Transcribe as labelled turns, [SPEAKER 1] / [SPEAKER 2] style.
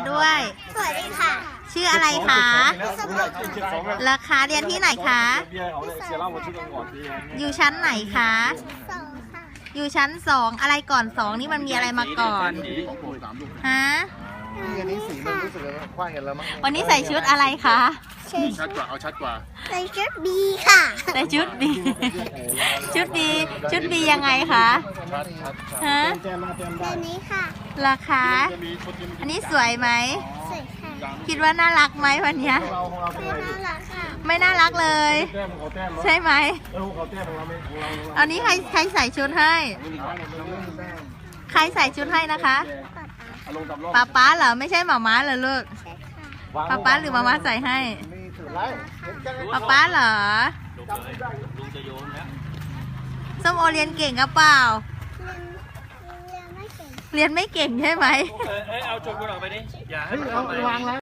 [SPEAKER 1] ด้วย
[SPEAKER 2] สวัสดีค่ะ
[SPEAKER 1] ชื่ออะไรคะราคาเรียนที่ไหนคะ อยู่ชั้นไหนคะ
[SPEAKER 2] สองค่ะ
[SPEAKER 1] อยู่ชั้น2อะไรก่อน2นี่มันมีอะไรมาก่อนฮะ
[SPEAKER 3] อันนี้สีมันรู้สึกว่าคว้างกันแล้วมั้ง
[SPEAKER 1] วันนี้ใส่ชุดอะไรคะ
[SPEAKER 3] ชัดกว่าเอาชัดกว่า
[SPEAKER 2] ใส่ชุดบีค่ะ
[SPEAKER 1] ใส่ชุดบีชุดบียังไงคะ
[SPEAKER 3] ชัด
[SPEAKER 1] ฮะ
[SPEAKER 2] แบบนี้ค่ะ
[SPEAKER 1] ราคาอันนี้สวยไหม
[SPEAKER 2] สวยค่ะ
[SPEAKER 1] คิดว่าน่ารักไหมวันเนี้ย
[SPEAKER 2] ไม่น่ารักค่ะ
[SPEAKER 1] ไม่น่ารักเลย ใช่ไหมอันนี้ใครใส่ชุดให้ ใครใส่ชุดให้นะคะป๊าเหรอไม่ใช่หม่าม้าเหรอลูกป๊าหรือหม่าม้าใส่ให้ป๊าเหรอส้มโอเรียนเก่งกับเปล่า
[SPEAKER 2] เรียนไม่เก่ง
[SPEAKER 1] เรียนไม่เก่งใช่ไหม
[SPEAKER 4] เอาจุดกูออกไปดิอย่าให้มัน
[SPEAKER 3] เอาวางแล้ว